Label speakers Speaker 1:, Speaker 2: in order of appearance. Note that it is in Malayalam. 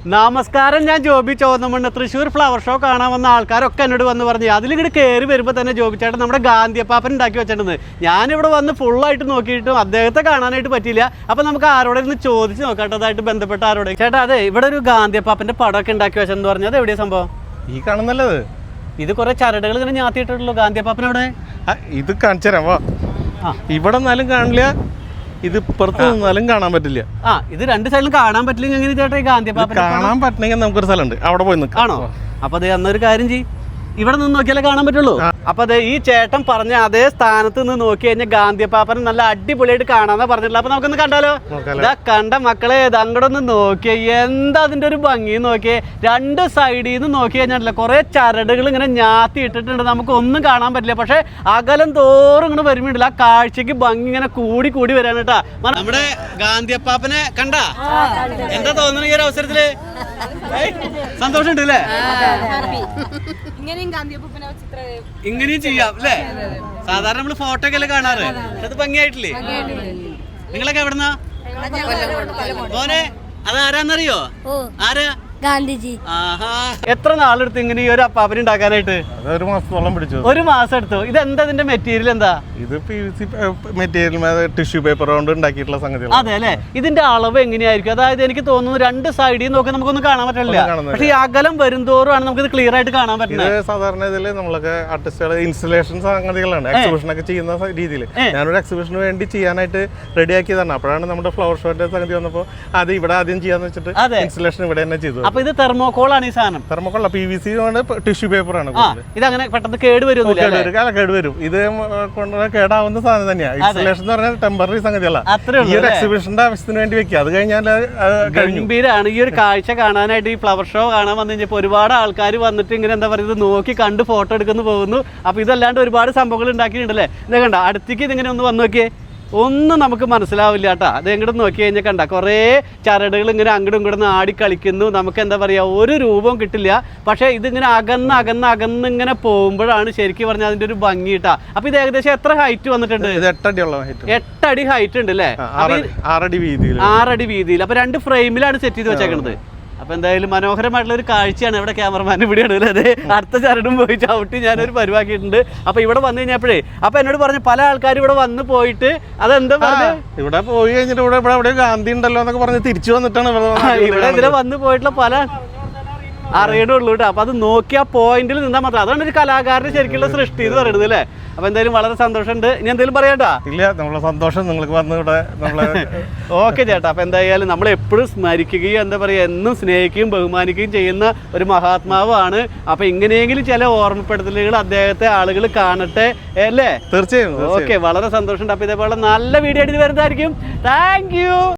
Speaker 1: നമസ്കാരം, ഞാൻ ജോബി ചോന്നമണ്ണ്. തൃശ്ശൂർ ഫ്ലവർ ഷോ കാണാൻ വന്ന ആൾക്കാരൊക്കെ എന്നോട് വന്ന് പറഞ്ഞു അതിലിങ്ങോട്ട് കയറി വരുമ്പോൾ തന്നെ ജോബി ചേട്ടൻ നമ്മുടെ ഗാന്ധിയപ്പാപ്പൻ ഉണ്ടാക്കി വെച്ചിട്ടുണ്ട്. ഞാനിവിടെ വന്ന് ഫുള്ളായിട്ട് നോക്കിയിട്ടും അദ്ദേഹത്തെ കാണാനായിട്ട് പറ്റിയില്ല. അപ്പം നമുക്ക് ആരോടെ ഇരുന്ന് ചോദിച്ച് നോക്കാട്ടോ, അതായിട്ട് ബന്ധപ്പെട്ട ആരോടെ. ചേട്ടാ, അതെ, ഇവിടെ ഒരു ഗാന്ധിയപ്പാപ്പൻ്റെ പടമൊക്കെ ഉണ്ടാക്കി വെച്ചെന്ന് പറഞ്ഞത് എവിടെയാ സംഭവം?
Speaker 2: ഈ കാണുന്നല്ലത്.
Speaker 1: ഇത് കുറെ ചരടുകൾ ഇങ്ങനെ ഞാത്തിയിട്ടുള്ളൂ. ഗാന്ധിയപ്പാപ്പൻ അവിടെ
Speaker 2: ഇത് കാണിച്ചു തരാം. വാ, ഇവിടെ നിന്നാലും കാണില്ല, ഇത് പുറത്ത് നിന്നാലും കാണാൻ പറ്റില്ല.
Speaker 1: ഇത് രണ്ട് സൈഡിലും കാണാൻ പറ്റില്ലെങ്കിൽ എങ്ങനെ ചേട്ടാ ഈ ഗാന്ധിയപ്പാപ്പൻ
Speaker 2: കാണാൻ പറ്റണമെങ്കിൽ നമുക്കൊരു സ്ഥലമുണ്ട്, അവിടെ പോയി നിൽക്കാം.
Speaker 1: ആണോ? അപ്പൊ അത് അന്നൊരു കാര്യം ചെയ്യും, ഇവിടെ നിന്ന് നോക്കിയാലേ കാണാൻ പറ്റുള്ളൂ. അപ്പൊ അതെ, ഈ ചേട്ടൻ പറഞ്ഞ അതേ സ്ഥാനത്ത് നിന്ന് നോക്കി കഴിഞ്ഞാൽ ഗാന്ധിയപ്പാപ്പൻ നല്ല അടിപൊളിയായിട്ട് കാണാന്നാ പറഞ്ഞിട്ടുള്ളത്. അപ്പൊ നമുക്കൊന്ന് കണ്ടാലോ? ഇതാ കണ്ട മക്കളെ, അങ്ങോട്ട് ഒന്ന് നോക്കിയേ, എന്താ അതിന്റെ ഒരു ഭംഗി നോക്കിയേ. രണ്ട് സൈഡിൽ നിന്ന് നോക്കി കഴിഞ്ഞാൽ കുറെ ചരടുകൾ ഇങ്ങനെ ഞാത്തി ഇട്ടിട്ടുണ്ട്, നമുക്ക് ഒന്നും കാണാൻ പറ്റില്ല. പക്ഷെ അകലം തോറും ഇങ്ങനെ വരുമ്പോണ്ടില്ല, ആ കാഴ്ചക്ക് ഭംഗി ഇങ്ങനെ കൂടി കൂടി വരാൻ കേട്ടാ. നമ്മുടെ ഗാന്ധിയപ്പാപ്പനെ കണ്ടാ എന്താ തോന്നുന്നു ഈ ഒരു അവസരത്തില്? സന്തോഷമുണ്ട് അല്ലേ? ഇങ്ങനെയും ചെയ്യാം അല്ലേ? സാധാരണ നമ്മള് ഫോട്ടോ ഒക്കെ അല്ലേ കാണാറ്, അത് ഭംഗിയായിട്ടില്ലേ? നിങ്ങളൊക്കെ എവിടുന്നാ മോനെ? അത് ആരാന്നറിയോ? ആരാ?
Speaker 3: ഗാന്ധിജി.
Speaker 1: എത്ര നാളെടുത്ത് ഇങ്ങനെ ഈ ഒരു അപ്പാപ്പന ഉണ്ടാക്കാനായിട്ട്?
Speaker 2: ഒരു മാസത്തോളം പിടിച്ചു.
Speaker 1: ഒരു മാസം എടുത്തു. ഇതെന്താ ഇതിന്റെ മെറ്റീരിയൽ? എന്താ
Speaker 2: ഇത്? PVC മെറ്റീരിയൽ, ടിഷ്യൂ പേപ്പർ കൊണ്ട് ഉണ്ടാക്കിയിട്ടുള്ള സംഗതി.
Speaker 1: അതെ അല്ലെ? ഇതിന്റെ അളവ് എങ്ങനെയായിരിക്കും? അതായത് എനിക്ക് തോന്നുന്നു രണ്ട് സൈഡിൽ നോക്കി നമുക്കൊന്നും കാണാൻ പറ്റില്ല, പക്ഷെ ഈ അകലം വരുംതോറുമാണ് നമുക്ക് ഇത് ക്ലിയർ ആയിട്ട് കാണാൻ പറ്റുന്നത്.
Speaker 2: സാധാരണ ഇതില് നമ്മളൊക്കെ ആർട്ടിസ്റ്റുകൾ ഇൻസ്റ്റലേഷൻ സംഗതികളാണ്, എക്സിബിഷൻ ഒക്കെ ചെയ്യുന്ന രീതിയിൽ. ഞാനൊരു എക്സിബിഷന് വേണ്ടി ചെയ്യാനായിട്ട് റെഡിയാക്കിയതാണ്. അപ്പോഴാണ് നമ്മുടെ ഫ്ലവർ ഷോന്റെ സംഗതി വന്നപ്പോൾ അത് ഇവിടെ ആദ്യം ചെയ്യാന്ന് വെച്ചിട്ട് ഇൻസ്റ്റലേഷൻ ഇവിടെ തന്നെ ചെയ്തു.
Speaker 1: അപ്പൊ ഇത് തെർമോകോൾ ആണ് ഈ സാധനം?
Speaker 2: തെർമോകോൾ PVC ടിഷ്യൂ പേപ്പർ ആണ്.
Speaker 1: ഇതങ്ങനെ പെട്ടെന്ന് കേടുവരും?
Speaker 2: കേടുവരും. ഇത് കൊണ്ട് കേടാവുന്ന സാധനം തന്നെയാണ്. ഇൻസ്റ്റലേഷൻ എന്ന് പറഞ്ഞാൽ ടെമ്പററി സംഗതിയല്ല. ഈ ഒരു എക്സിബിഷന്റെ ആവശ്യത്തിന് വേണ്ടി വെക്കുക, അത് കഴിഞ്ഞാൽ
Speaker 1: ഗംഭീരാണ്. ഈ ഒരു കാഴ്ച കാണാനായിട്ട്, ഈ ഫ്ലവർ ഷോ കാണാൻ വന്നു കഴിഞ്ഞപ്പോൾ ഒരുപാട് ആൾക്കാർ വന്നിട്ട് ഇങ്ങനെ എന്താ പറയുക, നോക്കി കണ്ട് ഫോട്ടോ എടുക്കുന്നു പോകുന്നു. അപ്പൊ ഇതല്ലാണ്ട് ഒരുപാട് സംഭവങ്ങൾ ഉണ്ടാക്കിയിട്ടുണ്ടല്ലേ? ഇത് കണ്ട, അടുത്തേക്ക് ഇതിങ്ങനെ ഒന്ന് വന്നു നോക്കിയേ, ഒന്നും നമുക്ക് മനസ്സിലാവില്ല കേട്ടോ. അത് എങ്ങോട്ട് നോക്കി കഴിഞ്ഞാൽ കണ്ട കുറേ ചരടുകൾ ഇങ്ങനെ അങ്ങോട്ടും ഇങ്ങോട്ടും ആടി കളിക്കുന്നു. നമുക്ക് എന്താ പറയുക, ഒരു രൂപവും കിട്ടില്ല. പക്ഷേ ഇതിങ്ങനെ അകന്ന് ഇങ്ങനെ പോകുമ്പോഴാണ് ശരിക്കും പറഞ്ഞാൽ അതിന്റെ ഒരു ഭംഗി കിട്ടാ. അപ്പൊ ഇത് ഏകദേശം എത്ര ഹൈറ്റ് വന്നിട്ടുണ്ട്? 8 അടി ഹൈറ്റ് ഉണ്ട് അല്ലേ? 6 അടി വീതിയിൽ. അപ്പൊ 2 ഫ്രെയിമിലാണ് സെറ്റ് ചെയ്ത് വെച്ചേക്കുന്നത്. അപ്പൊ എന്തായാലും മനോഹരമായിട്ടുള്ള ഒരു കാഴ്ചയാണ്. ഇവിടെ ക്യാമറമാൻ ഇവിടെയാണ് അല്ലേ? അതെ, ചരടും പോയി ചവിട്ടി ഞാനൊരു പരിവാക്കിയിട്ടുണ്ട്. അപ്പൊ ഇവിടെ വന്നു കഴിഞ്ഞപ്പോഴേ അപ്പൊ എന്നോട് പറഞ്ഞു പല ആൾക്കാരും ഇവിടെ വന്ന് പോയിട്ട് അതെന്താ പറഞ്ഞു,
Speaker 2: ഇവിടെ പോയി കഴിഞ്ഞിട്ട് ഇവിടെ ഗാന്ധി ഉണ്ടല്ലോ എന്നൊക്കെ പറഞ്ഞ് തിരിച്ചു വന്നിട്ടാണ്
Speaker 1: ഇവിടെ ഇതിലെ വന്ന് പോയിട്ടുള്ള പല അറിയണുള്ളൂ കേട്ടോ. അപ്പൊ അത് നോക്കി ആ പോയിന്റിൽ നിന്നാൽ മാത്രം, അതാണ് ഒരു കലാകാരന്റെ ശരിക്കുള്ള സൃഷ്ടി എന്ന് പറയുന്നത് അല്ലേ? അപ്പൊ എന്തായാലും വളരെ സന്തോഷമുണ്ട്. ഇനി എന്തെങ്കിലും പറയാട്ടാ?
Speaker 2: ഇല്ല, നമ്മളെ സന്തോഷം നിങ്ങൾക്ക് വന്നിവിടെ.
Speaker 1: ഓക്കെ ചേട്ടാ. അപ്പൊ എന്തായാലും നമ്മൾ എപ്പോഴും സ്മരിക്കുകയും എന്താ പറയുക, എന്നും സ്നേഹിക്കുകയും ബഹുമാനിക്കുകയും ചെയ്യുന്ന ഒരു മഹാത്മാവാണ്. അപ്പൊ ഇങ്ങനെയെങ്കിലും ചില ഓർമ്മപ്പെടുത്തലുകൾ അദ്ദേഹത്തെ ആളുകൾ കാണട്ടെ അല്ലേ?
Speaker 2: തീർച്ചയായും.
Speaker 1: ഓക്കെ, വളരെ സന്തോഷമുണ്ട്. അപ്പൊ ഇതേപോലെ നല്ല വീഡിയോ ആയിട്ട് വരുന്നതായിരിക്കും. Thank U.